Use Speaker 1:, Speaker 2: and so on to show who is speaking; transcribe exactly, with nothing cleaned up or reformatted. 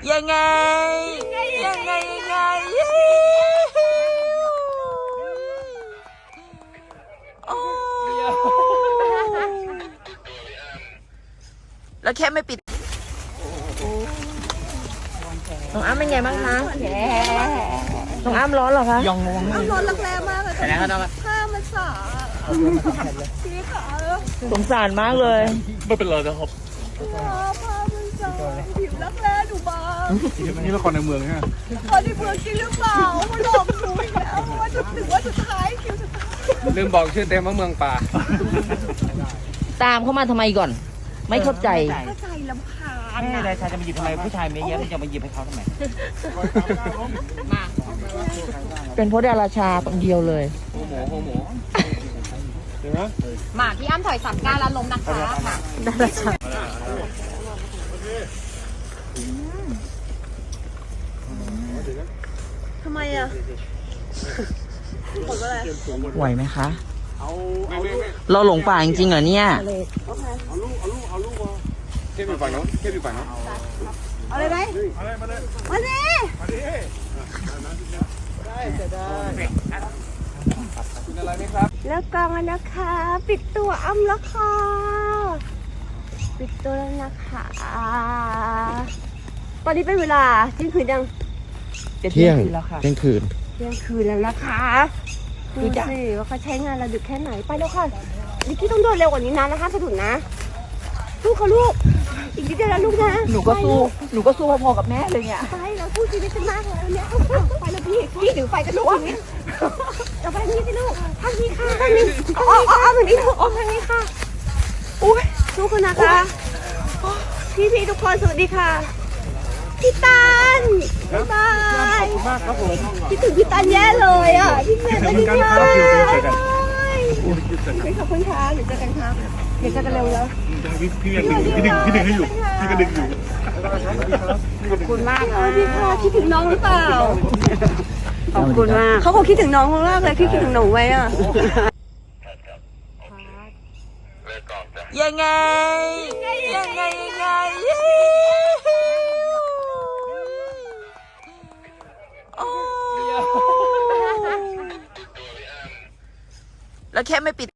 Speaker 1: ยังไงยังไงยังไงโอ้แล้วแค่ไม่ปิดน้องอ้ำเป็นไงบ้างคะน้องอ้ำร้อนเหรอคะยองงงอ้ำร้อนรักแร้มากเลยผ้ามันสาพี่ขาสงสารมากเลย
Speaker 2: ไม่เป็นไรนะครับ
Speaker 1: ผ้ามันสาผิวรักแร้ดูบาง
Speaker 2: นี่ละครในเมืองใช่ไหม
Speaker 1: ละครในเมืองจริงหรือเปล่าไม่หลอกหนูอีกแล้วว่าจะถึงว่าสุดท้ายคิวสุดท้าย
Speaker 2: ลืมบอกชื่อเต็มว่าเมืองป่า
Speaker 3: ตามเข้ามาทำไมก่อนไม่เข้าใจ
Speaker 1: เข้าใจลำคาญ
Speaker 3: แม่นายชายจะมาหยิบทำไมผู้ชายไม่เยอะจะมาหยิบให้เขาทำไมมาเป็นเพราะดาราชาคนเดียวเลย
Speaker 2: โอ้โหโอ้โห
Speaker 1: มาพี่อ้ำถอยสามก้าวแล้วล้มนะคะค่ะ
Speaker 3: ดาราชา
Speaker 1: ทำไมอ่ะบอกว่าอะไร
Speaker 3: ไหวไหมคะเราหลงป่าจริงๆเหรอเนี่ย
Speaker 2: เอาลูกเอาลูกเอาลูกมาเทียบอยู่ฝั่งโน้นเทียบอยู่ฝั่งโน้น
Speaker 1: เอาเลยไหม
Speaker 2: มาเลยมาเลย
Speaker 1: มาเลย
Speaker 2: มาดิได้จะได้กินอะไรไหมครับ
Speaker 1: แล้วกองนะคะ ปิดตัวอ้ำแล้วค่ะปิดตัวแล้วนะคะตอนนี้เป็นเวลาเที่ยงคืนยัง
Speaker 3: เที่ยงแล้วค่ะ
Speaker 2: เที่ยงคืน
Speaker 1: เที่ยงคืนแล้วนะคะดูสิว่าเขาใช้งานเราดึกแค่ไหนไปแล้วค่ะนิกกี้ต้องเดินเร็วกว่านี้นะนะคะสะดุดนะลูกค่ะลูกอีกนิดเดียวแล้วลูกนะ
Speaker 3: หนูก็สู้หนูก็สู้พอๆกับแม่เลยเนี่ย
Speaker 1: ไปเราสู้ชีวิตกันมากเลยเนี่ยไปแล้วพี่พี่ถือไฟกันลูกอย่างนี้เราไปนี่สิลูกทางนี้ค่ะทางนี้อ๋ออ๋อทางนี้ลูกอ๋อทางนี้ค่ะอุ้ยลูกคนนะคะพี่พี่ทุกคนสวัสดีค่ะพี่ตันบ๊ายบาย
Speaker 2: มากครับผม
Speaker 1: คิดถึงพี่ตันแย่เลยอ่ะพี่เมย์สวัสดีค่ะขอบคุณค่ะเดี๋ยวเจอกันครับเดี๋ยวเจอกันเร็วแล้ว
Speaker 2: พี่พี่ยังดึงพี่ดึงพี่ดึงให้อยู่พี่ก็ดึงอยู่
Speaker 1: ขอบคุณมากเลยพี่ค่ะคิดถึงน้องหรือเปล่าขอบคุณมากเขาคงคิดถึงน้องมากเลยพี่คิดถึงหนูไว้อ่ะยังไงยังไงยังไงแล้วแค่ไม่ปิด